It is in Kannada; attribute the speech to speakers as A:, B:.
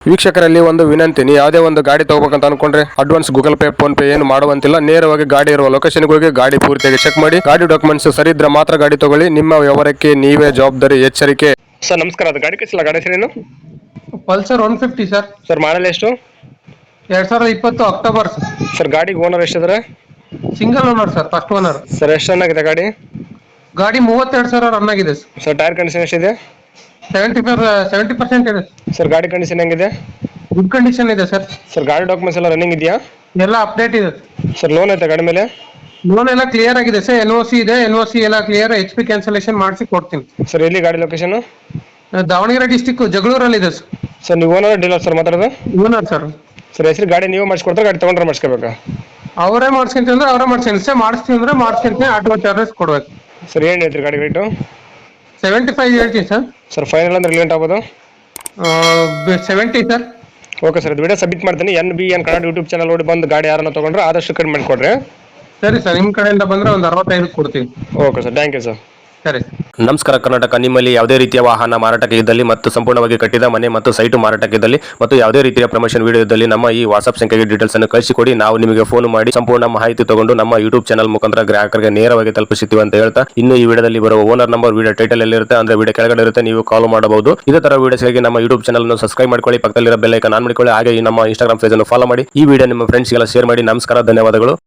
A: ವೀಕ್ಷಕರಲ್ಲಿ ಒಂದು ವಿನಂತಿ, ನೀವು ಯಾವುದೇ ಒಂದು ಗಾಡಿ ತಗೋಬೇಕಂತ ಅನ್ಕೊಂಡ್ರೆ advance Google Pay PhonePe ಏನು ಮಾಡುವಂತಿಲ್ಲ. ನೇರವಾಗಿ ಗಾಡಿ ಇರುವ ಲೊಕೇಶನ್ಗೆ ಹೋಗಿ ಗಾಡಿ ಪೂರ್ತಿಯಾಗಿ ಚೆಕ್ ಮಾಡಿ, ಗಾಡಿ ಡಾಕ್ಯುಮೆಂಟ್ಸ್ ಸರಿ ಇದ್ರೆ ಮಾತ್ರ ಗಾಡಿ ತಗೊಳ್ಳಿ. ನಿಮ್ಮ ವ್ಯವಹಾರಕ್ಕೆ ನೀವೇ ಜವಾಬ್ದಾರಿ. ಎಚ್ಚರಿಕೆ. ಸರ್ ನಮಸ್ಕಾರ, ಅದು ಗಾಡಿ ಕಳಿಸಿಲ್ಲ, ಗಾಡಿ ಹೆಸರೇನು?
B: Pulsar 150 sir.
A: ಸರ್ ಮಾಡಲ್ ಎಷ್ಟು?
B: 2020 ಅಕ್ಟೋಬರ್
A: ಸರ್ ಗಾಡಿಗೆ ಓನರ್ ಎಷ್ಟಿದ್ರೆ?
B: Single owner sir, first owner.
A: Sir ಎಷ್ಟು ರನ್ ಆಗಿದೆ ಗಾಡಿ?
B: ಗಾಡಿ 32,000 ರನ್ ಆಗಿದೆ
A: ಸರ್ ಟೈರ್ ಕಂಡೀಷನ್ ಎಷ್ಟಿದೆ?
B: 70% ಇದೆ
A: ಸರ್ ಗಾಡಿ ಕಂಡೀಷನ್ ಹೆಂಗಿದೆ?
B: ಗುಡ್ ಕಂಡೀಷನ್ ಇದೆ ಸರ್.
A: ಸರ್ ಗಾಡಿ ಡಾಕ್ಯುಮೆಂಟ್ಸ್ ಎಲ್ಲ ರನ್ನಿಂಗ್ ಇದೆಯಾ?
B: ಎಲ್ಲ ಅಪ್ಡೇಟ್ ಇದೆ
A: ಸರ್ ಲೋನ್ ಐತೆ ಗಾಡಿ ಮೇಲೆ?
B: ಲೋನ್ ಎಲ್ಲ ಕ್ಲಿಯರ್ ಆಗಿದೆ ಸರ್. NOC ಇದೆ, NOC ಎಲ್ಲ ಕ್ಲಿಯರ್. HP ಕ್ಯಾನ್ಸಲೇಷನ್ ಮಾಡಿಸಿ ಕೊಡ್ತೀನಿ
A: ಸರ್ ಎಲ್ಲಿ ಗಾಡಿ ಲೊಕೇಶನ್?
B: ದಾವಣಗೆರೆ ಡಿಸ್ಟಿಕ್ ಜಗಳೂರಲ್ಲಿ ಇದೆ ಸರ್.
A: ಸರ್ ನೀವು ಓನರ್ ಡೀಲರ್ ಸರ್ ಮಾತಾಡೋದು?
B: Owner sir.
A: ಸರ್ ಹೆಸರು ಗಾಡಿ ನೀವು ಮಾಡಿಸ್ಕೊಡ್ತಾರೆ, ಗಾಡಿ ತೊಗೊಂಡ್ರೆ ಮಾಡಿಸ್ಕೋಬೇಕಾ?
B: ಅವರೇ ಮಾಡಿಸ್ಕೊಂತೀವಿ ಅಂದ್ರೆ ಅವರೇ ಮಾಡಿಸ್ಕೊಂಡು ಸರ್, ಮಾಡಿಸ್ತೀವಿ ಅಂದ್ರೆ ಮಾಡಿಸ್ಕೊಂತೀನಿ. ಆಟೋ ಚಾರ್ಜಸ್ ಕೊಡ್ಬೇಕು.
A: ಸರ್ ಏನು ಹೇಳ್ತೀರಿ ಗಾಡಿ ರೇಟು?
B: 75 ಹೇಳ್ತೀನಿ ಸರ್.
A: ಸರ್ ಫೈನಲ್ ಅಂದ್ರೆ ಲೇಟ್ ಆಗ್ಬೋದು?
B: 70 ಸರ್.
A: ಓಕೆ ಸರ್, ಇದು ವಿಡಿಯೋ ಸಬ್ಮಿಟ್ ಮಾಡ್ತೀನಿ. NBN ಕನ್ನಡ ಯೂಟ್ಯೂಬ್ ಚಾನಲ್ ನೋಡಿ ಬಂದು ಗಾಡಿ ಯಾರನ್ನ ತೊಗೊಂಡ್ರೆ ಆದಷ್ಟು ಕಡಿಮೆ ಮಾಡಿಕೊಡ್ರಿ.
B: ಸರಿ ಸರ್, ನಿಮ್ಮ ಕಡೆಯಿಂದ ಬಂದ್ರೆ ಒಂದು 65 ಕೊಡ್ತೀವಿ.
A: Okay sir, thank you sir.
B: ಸರಿ.
A: ನಮಸ್ಕಾರ ಕರ್ನಾಟಕ. ನಿಮ್ಮಲ್ಲಿ ಯಾವುದೇ ರೀತಿಯ ವಾಹನ ಮಾರಾಟಕ್ಕೆ ಇದ್ದಲ್ಲಿ ಮತ್ತು ಸಂಪೂರ್ಣವಾಗಿ ಕಟ್ಟಿದ ಮನೆ ಮತ್ತು ಸೈಟು ಮಾರಾಟಕ್ಕೆ ಇದ್ದಲ್ಲಿ ಮತ್ತು ಯಾವುದೇ ರೀತಿಯ ಪ್ರಮೋಷನ್ ವಿಡಿಯೋ ಇದ್ದಲ್ಲಿ ನಮ್ಮ ಈ ವಾಟ್ಸ್ಆಪ್ ಸಂಖ್ಯೆಗೆ ಡೀಟೇಲ್ಸ್ ಅನ್ನು ಕಳಿಸಿಕೊಡಿ. ನಾವು ನಿಮಗೆ ಫೋನ್ ಮಾಡಿ ಸಂಪೂರ್ಣ ಮಾಹಿತಿ ತಗೊಂಡು ನಮ್ಮ ಯೂಟ್ಯೂಬ್ ಚಾನಲ್ ಮುಖಾಂತರ ಗ್ರಾಹಕರಿಗೆ ನೇರವಾಗಿ ತಲುಪಿಸುತ್ತೀವಿ ಅಂತ ಹೇಳ್ತಾ, ಇನ್ನು ಈ ವಿಡಿಯೋದಲ್ಲಿ ಬರುವ ಓನರ್ ನಂಬರ್ ವಿಡಿಯೋ ಟೈಟಲ್ ಎಲ್ಲಿರುತ್ತೆ ಅಂದ್ರೆ ವಿಡಿಯೋ ಕೆಳಗಡೆ ಇರುತ್ತೆ, ನೀವು ಕಾಲ್ ಮಾಡಬಹುದು. ಇದೇ ತರ ವಿಡಿಯೋಸ್ಗಾಗಿ ನಮ್ಮ ಯೂಟ್ಯೂಬ್ ಚಾನಲ್ ಅನ್ನು ಸಬ್ಸ್ಕ್ರೈಬ್ ಮಾಡ್ಕೊಳ್ಳಿ, ಪಕ್ಕದಲ್ಲಿರೋ ಬೆಲ್ ಐಕಾನ್ ಆನ್ ಮಾಡಿಕೊಳ್ಳಿ. ಹಾಗೆ ಈ ನಮ್ಮ ಇನ್ಸ್ಟಾಗ್ರಾಮ್ ಪೇಜ್ ಅನ್ನು ಫಾಲೋ ಮಾಡಿ. ಈ ವಿಡಿಯೋ ನಿಮ್ಮ ಫ್ರೆಂಡ್ಸ್ಗೆಲ್ಲ ಶೇರ್ ಮಾಡಿ. ನಮಸ್ಕಾರ, ಧನ್ಯವಾದಗಳು.